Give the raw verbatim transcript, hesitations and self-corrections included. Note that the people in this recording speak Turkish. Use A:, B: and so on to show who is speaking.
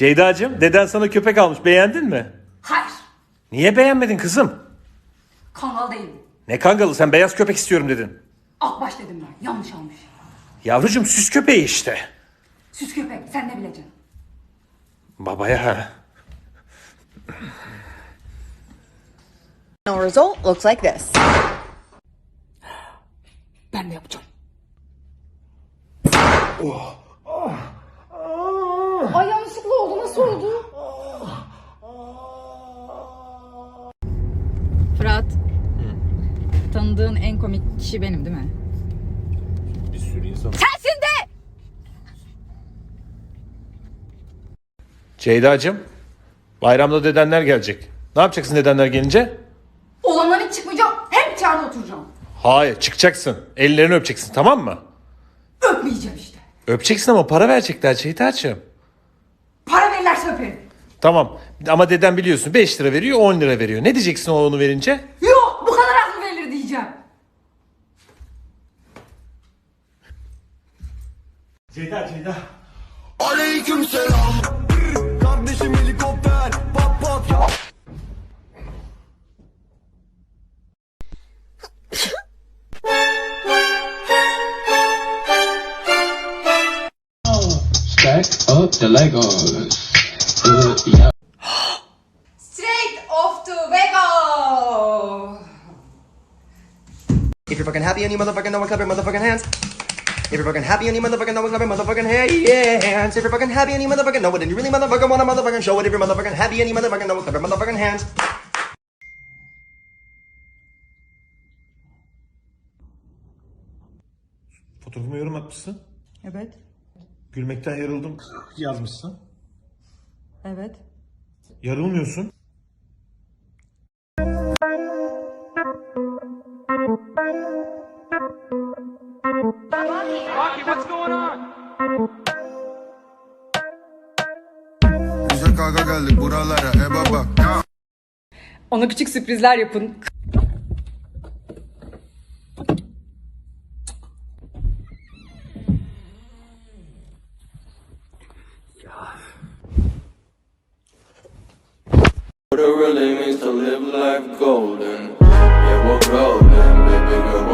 A: Ceyda'cığım, deden sana köpek almış. Beğendin mi?
B: Hayır.
A: Niye beğenmedin kızım?
B: Kangal değil.
A: Ne kangalı, sen beyaz köpek istiyorum dedin.
B: Akbaş dedim ben. Yanlış almış.
A: Yavrucuğum, süs köpeği işte.
B: Süs köpek. Sen ne bileceksin?
A: Babaya ha.
C: Final result looks like this.
B: Ben de yapacağım. Ay yanlışlıkla oldu. Nasıl oldu?
D: Fırat. Tanıdığın en komik kişi benim değil mi?
A: Bir sürü insan.
D: Sensin de!
A: Ceyda'cığım, bayramda dedenler gelecek. Ne yapacaksın dedenler gelince?
B: Olandan hiç çıkmayacağım. Hep içeride oturacağım.
A: Hayır, çıkacaksın. Ellerini öpeceksin, tamam mı?
B: Öpmeyeceğim işte.
A: Öpeceksin ama para verecekler Ceyda'cığım.
B: Para verirlerse öperim.
A: Tamam ama deden biliyorsun beş lira veriyor, on lira veriyor. Ne diyeceksin o onu verince?
B: Yok bu kadar az mı verilir diyeceğim.
A: Ceyda, Ceyda.
E: Aleyküm selam. Kardeşim helikopter. Pat pat ya.
F: Stack up the Legos. Uh, yeah.
B: Straight off to Vego.
E: If you're fucking happy and you motherfucking know what, clap your motherfucking hands. If you're fucking happy and you motherfucking know what, clap your motherfucking hands. If you're fucking happy and you motherfucking know it, and you really motherfucking wanna motherfucking show it. If you're motherfucking happy and you motherfucking know what, clap your motherfucking hands.
A: Fotoğrafıma yorum atmışsın.
D: Evet.
A: Gülmekten yarıldım yazmışsın.
D: Evet.
A: Yarılmıyorsun.
E: Bize kaka geldik buralara e baba.
D: Ona küçük sürprizler yapın.
G: What it really means to live life golden. Yeah, we're golden, baby girl.